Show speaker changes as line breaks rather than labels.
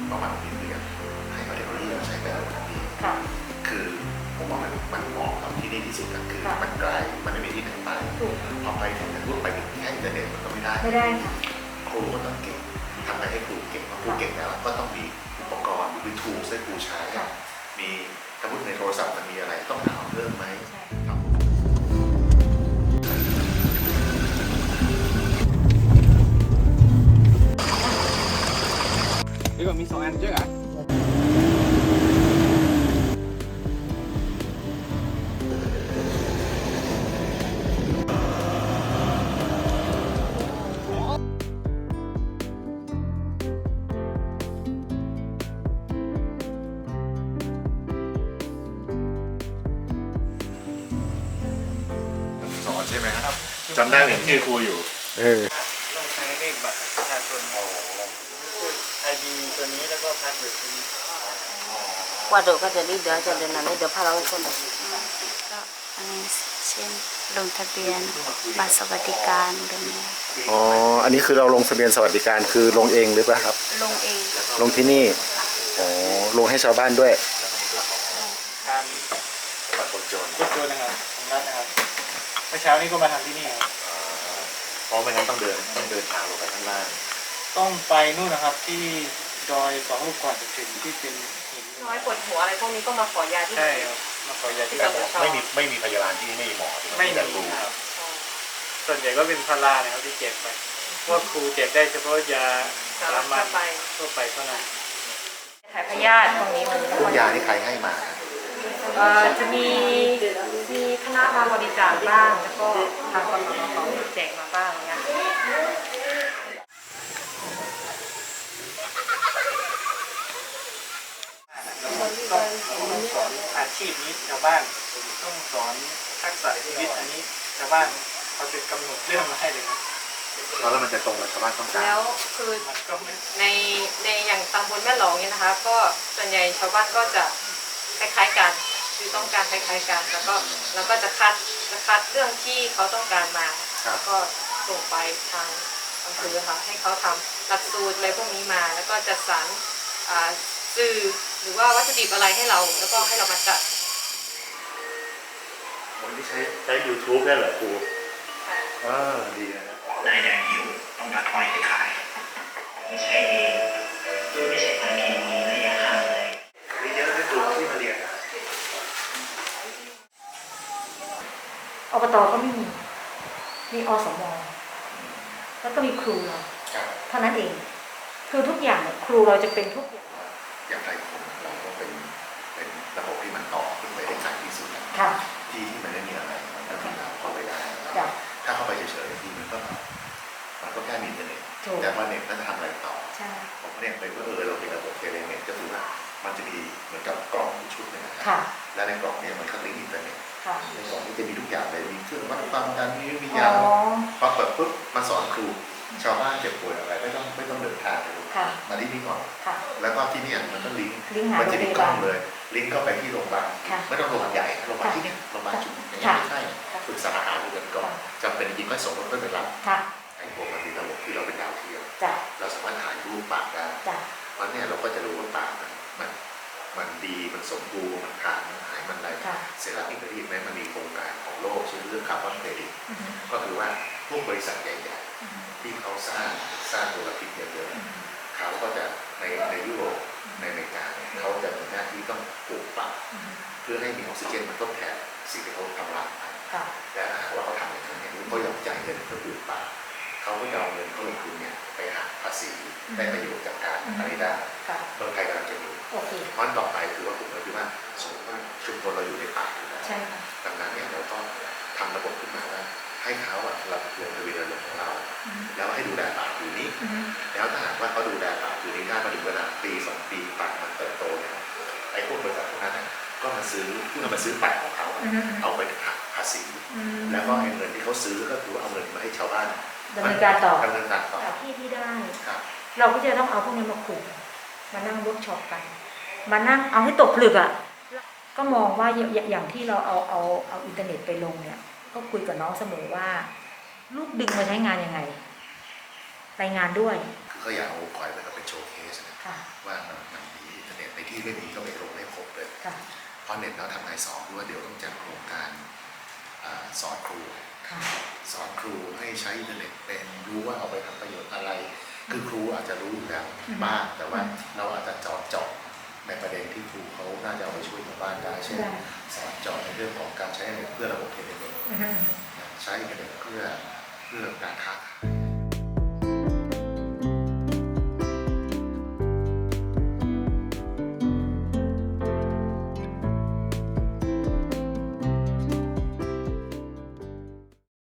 ประมาณนี้คือให้เอาเทคโนโลยีมาใช้เป็นทันทีคือผมว่ามันเหมาะกับที่นี่ที่สุดก็คือมันไกลมันไม่มีที่ไหนไปพอไปถึงพูดไปถึงแค่อินเทอร์เน็ตมันก็ไม่ได้
ค่ะ
ครูก็ต้องเก่งทำไงให้ครูเก่งครูเก่งแล้วก็ต้องมีอุปกรณ์หรือ tools ให้ครูใช้มีสมมติในโทรศัพท์มันมีอะไรต้องถามเพิ่มไหม
นี่ก็มี2 อันเยอะอ่ะ
สอนใช่ไหมครับจำได้เห็นชื่อครูอยู่
ต้องใช้เลขบัตรประชาชนID ตัวนี้แล้วก็พาสเวิร์ดตัวนี้
ว่าเดี๋ยวก็จะรีบเดี๋ยวจะเดินหน้าเดี๋ยวพาเราคนก็อันนี้เช่นลงทะเบียนบัตรสวัสดิการแบบนี้
อ๋ออันนี้คือเราลงทะเบียนสวัสดิการคือลงเองหรือเปล่าครับ
ลงเอง
ลงที่นี่อ๋อลงให้ชาวบ้านด้วย
การ
บัตรคนจน
นะครับของรัฐนะครับเมื่อเช้านี้ก็มาทำที่นี่ครับ
เพราะไม่งั้นต้องเดินทางลงไปข้างล่าง
ต้องไปนู่นนะครับที่ดอย2 ลูกก่อนจะถึงที่เป็นหิน
น้อยปวดหัวอะไรพวกนี้ก็มาขอยาที่
ใช่ครับมาขอยาที่
ไม่มีพยาบาลที่ไม่มีหมอ
ไม่มีครับส่วนใหญ่ก็เป็นพารานะครับที่เจ็บไปว่าครูเจ็บได้เฉพาะยาสามัญทั่วไปเท่านั้น
ถ่ายพยาธิตรงนี้มัน
พวกยาที่ใครให้มา
จะมีคณะมาบริจาคบ้างแล้วก็ทางกสทชเขาแจกมาบ้างเงี้ย
ต้องสอนอาชีพนี้ชาวบ้านต้องสอนทักษะชีวิตอันนี้ชาวบ้านเขาจะกำหนดเรื่องมาให้เลยนะ
แล้วมันจะตรงกับชาวบ้านต้องการ
แล้วคือในอย่างตำบลแม่หลองเนี่ยนะคะก็ส่วนใหญ่ชาวบ้านก็จะคล้ายๆกันคือต้องการคล้ายๆกันแล้วก็จะคัดเรื่องที่เขาต้องการมาแล้วก็ส่งไปทางอำเภอค่ะให้เขาทำหลักสูตรอะไรพวกนี้มาแล้วก็จัดสรรสื่อหรือว่าวัตถุดิบอะไรให้เราแล้วก็ให้เรามาจัด
วันที่ใช้ YouTube ได้เหรอครูดีนะนายแดงหิวต้องยัดอ้อยไปขายไม่ใช่เองไม่ใช่ทางทีมีระยะห่างเลยมีเยอะที่ตัวที่มาเรียน
อบตก็ไม่มีอสมแล้วก็มีครูเราเท่านั้นเองคือทุกอย่างครูเราจะเป็นทุก
อย่างไรคนเราก็เป็นระบบที่มันต่อขึ้นไปได้ง่ายที่สุดที่มันไม่มีอะไรมันก็คือเราเข้าไปได้ถ้าเข้าไปเฉยๆที่มันก็แค่มีอินเทอร์เน็ตแต่ว่าเน็ตมันจะทำอะไรต่อผมเนี่ยไปว่าเรามีระบบเทเลเน็ตก็คือว่ามันจะมีเหมือนกับกล่องชุดนึงนะครับและในกล่องนี้มันก็ลิงก์อินเทอร์เน็ตในกล่องนี้จะมีทุกอย่างเลยมีเครื่องวัดความดันมียาพอเปิดปุ๊บมาสอนครูชาวบ้านเจ็บป่วยอะไรไม่ต้องเดินทางเลยมาที่นี่ก่อนแล้วก็ที่นี่มันก็ลิงก์มันจะมีกล้องเลยลิงก์เข้าไปที่โรงพยาบาลไม่ต้องโรงพยาบาลใหญ่โรงพยาบาลที่นี่โรงพยาบาลจุดนี้ไม่ใช่ปรึกษาอาหารดูกันก่อนจำเป็นจริงก็ส่งรถไปรับไอ้พวกมันมีระบบที่เราเป็นดาวเทียมเราสามารถถ่ายรูปปากได้วันนี้เราก็จะรู้ว่าปากมันดีมันสมบูรณ์มันขาดมันหายมันอะไรเสร็จแล้วอีกประเด็นไหมมันมีโครงการของโลกชื่อเรื่องคาร์บอนเครดิตก็คือว่าพวกบริษัทใหญ่ๆที่เขาสร้างมลพิษเยอะๆเขาก็จะในยุโรปในอเมริกาเขาจะมีหน้าที่ต้องปลูกป่าเพื่อให้มีออกซิเจนมันทดแทนสิ่งที่เขาทำลายไปแต่ถ้าหากว่าเขาทำอย่างนั้นเนี่ยเขายอมจ่ายเงินเพื่อปลูกป่าเขาก็ยอมเงินเขาลงทุนเนี่ยไปหักภาษีได้ประโยชน์จากการอะไรได้เมืองไทยกำลังจะมีเพราะต่อไปคือว่าผมเลยคิดว่าสมมติว่าชุมชนเราอยู่ในป่าอยู่แล้วดังนั้นเนี่ยเราต้องทำระบบขึ้นมาว่าให้เขาเราลงทะเบียนลงของเราแล้วให้ดูแลป่าผืนนี้แล้วถ้าหากว่าเขาดูแลป่าผืนนี้ได้มาถึงเวลาปี2 ปีป่ามันเติบโตเนี่ยไอ้พวกบริษัทพวกนั้นก็มาซื้อป่าของเขาเอาไปหักภาษีแล้วก็เงินที่เขาซื้อก็คือเอาเงินมาให้ชาวบ้าน
ดำเนินการต่อที่ได้เราก็จะต้องเอาพวกนี้มาคุมมานั่งเวิร์กช็อปกันมานั่งเอาให้ตกผลึกก็มองว่าอย่างที่เราเอาอินเทอร์เน็ตไปลงเนี่ยก็คุยกับน้องเสมอว่าลูกดึงมาใช้งานยังไงรายงานด้วย
คือก็อยากเอาคอยไปเป็นโชว์เคสนะ
ค่ะ
ว่ามันมีอินเทอร์เน็ตในที่ไม่มีก็ไปลงให้ครบเลย
ค่ะ
เพราะเน็ตแล้วทำไงสอนด้วยเดี๋ยวต้องจัดโครงการสอนครู
ค่ะ
สอนครูให้ใช้อินเทอร์เน็ตเป็นรู้ว่าเอาไปทำประโยชน์อะไร คือครูอาจจะรู้อยู่แล้วบ้างแต่ว่าเราอาจจะเจาะในประเด็นที่ครูเขาน่าจะเอาไปช่วยชาวบ้านได้เช่นสอนเจาะในเรื่องของการใช้อินเทอร์เน็ตเพื่อระบบเทเลเมตใช้อินเทอร์เน็ตเพื่อการค้าขาย